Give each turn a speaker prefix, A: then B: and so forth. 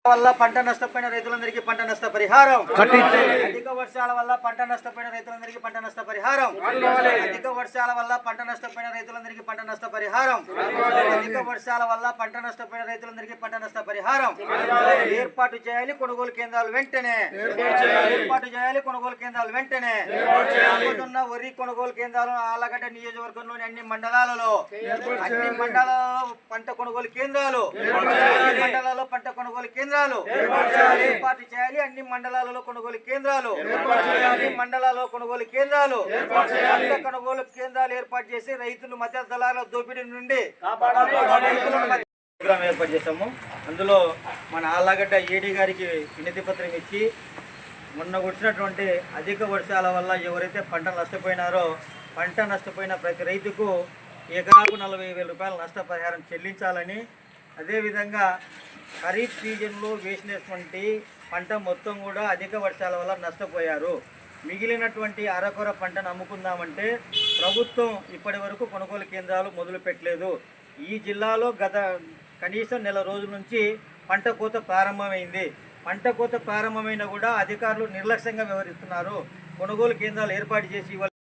A: వల్ల పంట నష్టపోయిన రైతులందరికీ పంట నష్ట పరిహారం, అధిక వర్షాల వల్ల పంట నష్టపోయిన రైతులందరికీ పంట నష్ట పరిహారం, అధిక వర్షాల వల్ల పంట నష్టపోయిన రైతులందరికీ పంట నష్ట పరిహారం, అధిక వర్షాల వల్ల పంట నష్టపోయిన రైతులందరికీ పంట నష్ట పరిహారం ఏర్పాటు చేయాలి. కొనుగోలు కేంద్రాలు వెంటనే ఏర్పాటు చేయాలి. కొనుగోలు కేంద్రాలు వెంటనే వరి కొనుగోలు కేంద్రాలు ఆలగడ్డ నియోజకవర్గంలోని అన్ని మండలాలలో పంట కొనుగోలు కేంద్రాలు మండలాల్లో పంట కొనుగోలు కేంద్రాలు ఏర్పాటు చేయాలి. అన్ని మండలాలలో కొనుగోలు కేంద్రాలు అన్ని మండలాల్లో కొనుగోలు కేంద్రాలు కొనుగోలు కేంద్రాలు ఏర్పాటు చేసి రైతులు మధ్య దళాల దోపిడీ నుండి ప్రోగ్రాం ఏర్పాటు చేశాము. అందులో మన ఆళ్ళగడ్డ ఏడీ గారికి వినతి పత్రం ఇచ్చి మొన్న వచ్చినటువంటి అధిక వర్షాల వల్ల ఎవరైతే పంట నష్టపోయినారో పంట నష్టపోయిన ప్రతి రైతుకు ఎకరాకు 40,000 రూపాయల నష్టపరిహారం చెల్లించాలని, అదేవిధంగా ఖరీఫ్ సీజన్లో వేసినటువంటి పంట మొత్తం కూడా అధిక వర్షాల వల్ల నష్టపోయారు. మిగిలినటువంటి అరకొర పంటను అమ్ముకుందామంటే ప్రభుత్వం ఇప్పటి వరకు కొనుగోలు కేంద్రాలు మొదలు పెట్టలేదు. ఈ జిల్లాలో గత కనీసం నెల రోజుల నుంచి పంట కోత ప్రారంభమైంది. పంట కోత ప్రారంభమైనా కూడా అధికారులు నిర్లక్ష్యంగా వ్యవహరిస్తున్నారు. కొనుగోలు కేంద్రాలు ఏర్పాటు చేసి